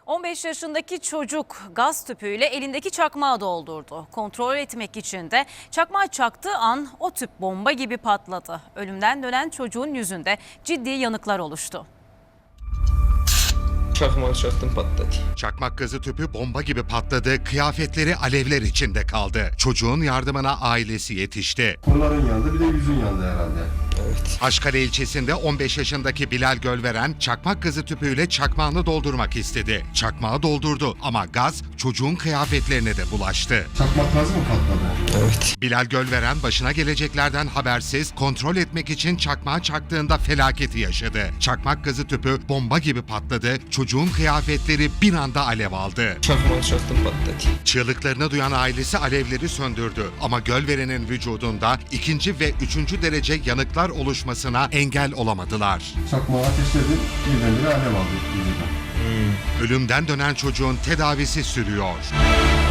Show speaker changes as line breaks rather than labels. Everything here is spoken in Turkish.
15 yaşındaki çocuk gaz tüpüyle elindeki çakmağı doldurdu. Kontrol etmek için de çakmağı çaktığı an o tüp bomba gibi patladı. Ölümden dönen çocuğun yüzünde ciddi yanıklar oluştu.
Çakmağı çaktım, patladı.
Çakmak gazı tüpü bomba gibi patladı, kıyafetleri alevler içinde kaldı. Çocuğun yardımına ailesi yetişti.
Kolların yandı, bir de yüzün yandı herhalde.
Evet.
Haşkale ilçesinde 15 yaşındaki Bilal Gölveren çakmak gazı tüpüyle çakmağını doldurmak istedi. Çakmağı doldurdu ama gaz çocuğun kıyafetlerine de bulaştı.
Çakmak gazı mı patladı?
Evet.
Bilal Gölveren başına geleceklerden habersiz kontrol etmek için çakmağı çaktığında felaketi yaşadı. Çakmak gazı tüpü bomba gibi patladı, çocuğun kıyafetleri bir anda alev aldı.
Çakmağı çaktım, patladı.
Çığlıklarını duyan ailesi alevleri söndürdü ama Gölveren'in vücudunda 2. ve 3. derece yanıklar oluşmasına engel olamadılar.
Çakmağı ateşledim, birdenbire alev aldı yüzünden.
Ölümden dönen çocuğun tedavisi sürüyor.